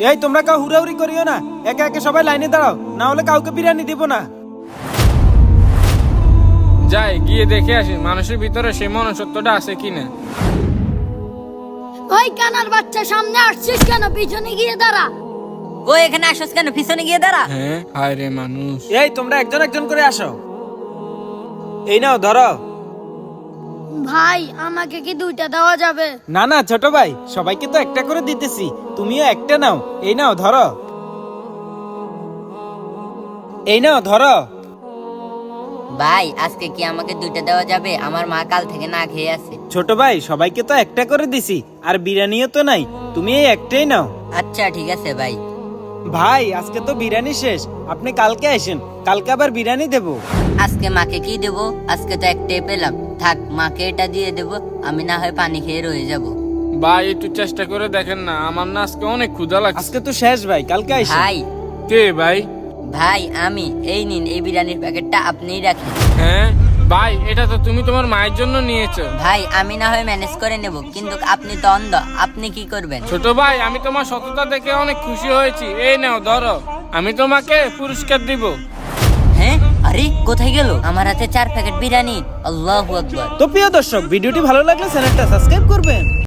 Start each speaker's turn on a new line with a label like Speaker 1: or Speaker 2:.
Speaker 1: এই তোমরা কাউ হুড়াহুড়ি করিও না, একে একে সবাই লাইনে দাঁড়াও, না হলে কাউকে বিরিয়ানি দিব না।
Speaker 2: যাই গিয়ে দেখে আসি মানুষের ভিতরে সেই মনুষ্যত্বটা আছে কিনা।
Speaker 3: ওই কানার বাচ্চা, সামনে আসছিস কেন? পিছনে গিয়ে দাঁড়া।
Speaker 4: ও এখানে আসছ কেন? পিছনে গিয়ে দাঁড়া।
Speaker 2: হ্যাঁ হায় রে মানুষ।
Speaker 1: এই তোমরা একজন একজন করে আসো। এই নাও ধরো।
Speaker 3: ভাই আমাকে কি দুইটা দেওয়া যাবে?
Speaker 1: না না ছোট ভাই, সবাইকে তো একটা করে দিতেছি, তুমিও একটা নাও। এই নাও ধরো, এই নাও ধরো।
Speaker 4: ভাই আজকে কি আমাকে দুইটা দেওয়া যাবে? আমার মা কাল থেকে না খেয়ে আছে।
Speaker 1: ছোট ভাই সবাইকে তো একটা করে দিছি, আর বিরিয়ানিও তো নাই, তুমি এই একটাই নাও।
Speaker 4: আচ্ছা ঠিক আছে ভাই।
Speaker 1: ভাই আজকে তো বিরিয়ানি শেষ, আপনি কালকে আসেন, কালকে আবার বিরিয়ানি দেবো।
Speaker 4: আজকে মাকে কি দেব? আজকে তো একটাই পেলাম, থাক মাকে এটা দিয়ে দেব, আমি না হয় পানি খেয়ে রয়ে যাব।
Speaker 2: ভাই একটু চেষ্টা করে দেখেন না, আমার না আজকে অনেক ক্ষুধা লাগছে।
Speaker 1: আজকে তো শেষ ভাই, কালকে আসেন।
Speaker 4: ভাই
Speaker 2: কে ভাই?
Speaker 4: ভাই আমি, এই নিন এই বিরিয়ানির প্যাকেটটা আপনিই রাখেন।
Speaker 2: হ্যাঁ ভাই, এটা তো তুমি তোমার মায়ের জন্য নিয়েছো।
Speaker 4: ভাই আমি না হয় ম্যানেজ করে নেব, কিন্তু আপনি তো অন্ধ, আপনি কি করবেন?
Speaker 2: ছোট ভাই আমি তোমার সততা দেখে অনেক খুশি হয়েছি, এই নাও ধরো, আমি তোমাকে পুরস্কার দিব।
Speaker 4: হ্যাঁ আরে কোথায় গেল? আমার হাতে 4 প্যাকেট বিরিয়ানি। আল্লাহু আকবার।
Speaker 1: তো প্রিয় দর্শক, ভিডিওটি ভালো লাগলে চ্যানেলটা সাবস্ক্রাইব করবেন।